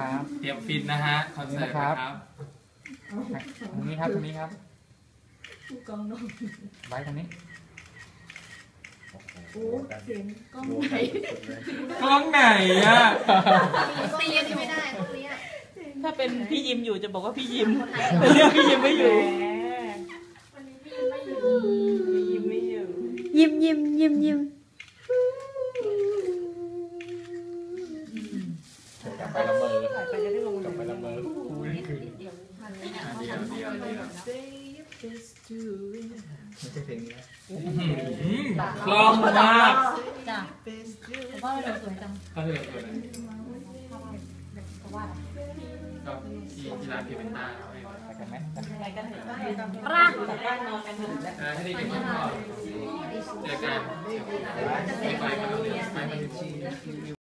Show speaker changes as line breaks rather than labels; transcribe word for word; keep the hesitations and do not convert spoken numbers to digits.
นะครับ
เตรียมฟินนะฮะคอนเสิร์ตนะครับ
ตรงนี้ครับตรงนี้ครับ
กองนม
ไว้ตรงนี้
โอ้เสียงกล้องไหน
กล้องไหนอ่ะ
ตีอันนี้ไม่ได้พวกนี้
ถ้าเป็นพี่ยิมอยู่จะบอกว่าพี่ยิมแต่เรื่องพี่ยิมไม่อยู่
วันนี้พี่ไม่อยู่
พี่ยิมไม่อยู่
ยิ้มยิ้มยิ้มยิ้ม
กลับไปละเมอ
ถ่ายไปจะได้ลง
กลับไปละเมอคู่นี่คือ
เดียวเดียวเดียว
ไม่ใช่เพลงนี้
คล่องมาก
จ้ะผมว่าเราสวยจัง
ก็เลยสวยนะก็ที่ที่ร้านพิมพ์ต้าเอาให้
ไปกันไหม
ไปกันเถอะ
ร่าง
กลับบ้านนอนกันเถอะ
ให้ได้กินข้าวเจอกันไปไปกันเลยไปไป